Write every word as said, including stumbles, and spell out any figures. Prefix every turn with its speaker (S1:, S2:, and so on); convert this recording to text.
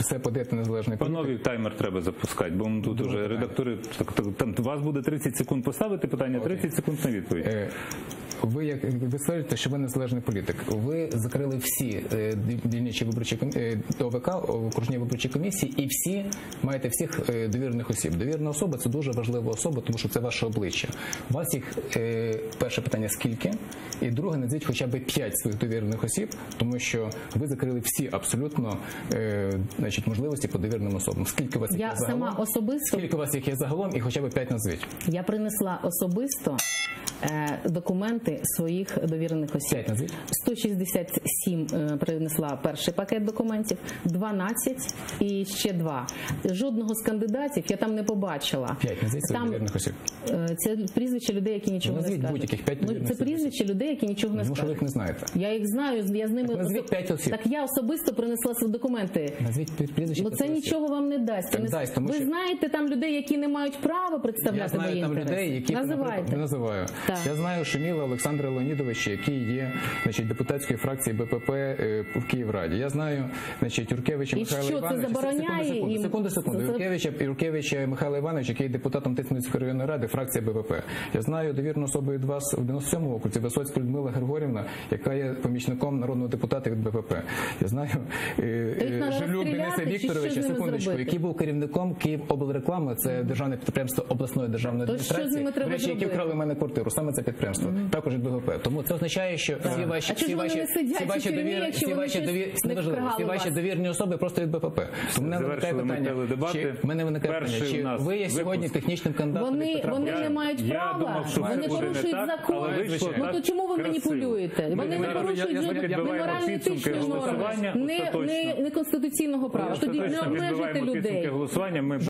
S1: все подаєте незалежний політик.
S2: Панові, таймер треба запускати, бо тут
S1: Друге
S2: вже
S1: питання.
S2: редактори, так, так, там, у вас буде тридцять секунд поставити питання, тридцять секунд на відповідь.
S1: Е, Ви, як ви стверджуєте, що ви незалежний політик. Ви закрили всі е, дільничі виборчі комі- е, ОВК, окружні виборчі комісії, і всі маєте всіх е, довірених осіб. Довірена особа – це дуже важлива особа, тому що це ваше обличчя. У вас їх, е, перше питання, скільки? І друге, назвіть хоча б п'ять своїх довірених осіб, тому що ви закрили всі абсолютно е, значить, можливості по довіреним особам. Скільки у вас їх
S3: Я
S1: є загалом?
S3: сама особисто...
S1: Скільки у вас їх є загалом і хоча б п'ять назвіть?
S3: Я принесла особисто е, документи своїх довірених осіб.
S1: П'ять назвіть.
S3: сто шістдесят сім е, принесла перший пакет документів, дванадцять і ще два. Жодного з кандидатів я там не побачила.
S1: П'ять назвіть своїх довірених осіб.
S3: е, Це прізвище людей, які нічого
S1: Назвіть
S3: не скажуть.
S1: будь-яких п'ять
S3: Ну,
S1: довірених
S3: це
S1: осіб.
S3: прізвище людей, які нічого не
S1: Тому що ви
S3: скажуть.
S1: їх не знаєте.
S3: Я їх знаю, я з ними...
S1: Так назвіть
S3: особ-
S1: п'ять осіб.
S3: Так я особисто принесла свої документи.
S1: Назвіть прізвище.
S3: Ну це
S1: п'яти осіб.
S3: нічого вам не дасть.
S1: Так
S3: Ви не-
S1: дасть, тому
S3: Ви
S1: що-
S3: знаєте там людей, які не мають права
S1: Я
S3: представляти
S1: знаю
S3: мої
S1: там
S3: інтереси?
S1: людей, які
S3: Називайте.
S1: не називаю.
S3: Так.
S1: Я знаю Шуміла Олександра Леонідовича, який є, значить, депутатської фракції БПП е, в Київраді. Я знаю, значить, Юркевича
S3: І
S1: Михайла
S3: що, це
S1: Івановича.
S3: забороняє
S1: секунду,
S3: їм?
S1: секунду, секунду.
S3: Це-
S1: Юркевича, Юркевича Михайла Івановича, який є депутатом Тисменської районної ради, фракція БПП. Я знаю довірну особу від вас в дев'яносто сьомому окрузі, Висоцьку Людмила Григорівна, яка є помічником народного депутата від БПП. Я знаю е,
S3: То їх
S1: е,
S3: треба
S1: Жилюк
S3: розстріляти,
S1: Дениса
S3: чи що
S1: Вікторовича,
S3: з ними
S1: секундочку,
S3: зробити?
S1: який був керівником Київоблреклами, це державне підприємство обласної державної
S3: То що з
S1: адміністрації.
S3: ними треба
S1: До речі, які
S3: зробити?
S1: вкрали в мене квартиру, саме це підприємство, також від БГП. Тому це означає, що всі ваші,
S3: А чого
S1: всі
S3: ж вони
S1: ваші,
S3: не сидять
S1: всі
S3: у
S1: ваші
S3: тюрмі,
S1: довір,
S3: якщо
S1: всі
S3: вони
S1: ваші
S3: щось
S1: довір,
S3: не
S1: неважливо, всі
S3: вкрали
S1: ваші
S3: вас?
S1: довірні особи просто від БПП. Тому мене виникає
S2: Завершили ми
S1: питання,
S2: теледебати.
S1: чи в мене виникає
S2: Перший
S1: питання, чи
S2: у нас
S1: ви є сьогодні
S2: випуск.
S1: технічним кандидатом від
S3: Вони,
S1: Петра
S3: вони
S1: Порошенка?
S3: не мають
S2: Я
S3: права,
S2: думав, що
S3: вони
S2: це буде не
S3: порушують
S2: так,
S3: закон.
S2: але вийшло
S3: Ну
S2: так
S3: то чому ви
S2: красиво.
S3: маніпулюєте?
S2: Ми
S3: Вони не
S2: зараз
S3: порушують
S1: я- я-
S3: жодних
S1: я-
S3: не
S2: підбиваємо
S3: морально-етичних
S2: підсумки
S3: норм,
S2: голосування
S3: не,
S2: остаточно.
S3: не, не конституційного права. Тоді не
S2: Остаточно
S3: обмежуйте
S2: підбиваємо підсумки
S3: людей.
S2: голосування. Ми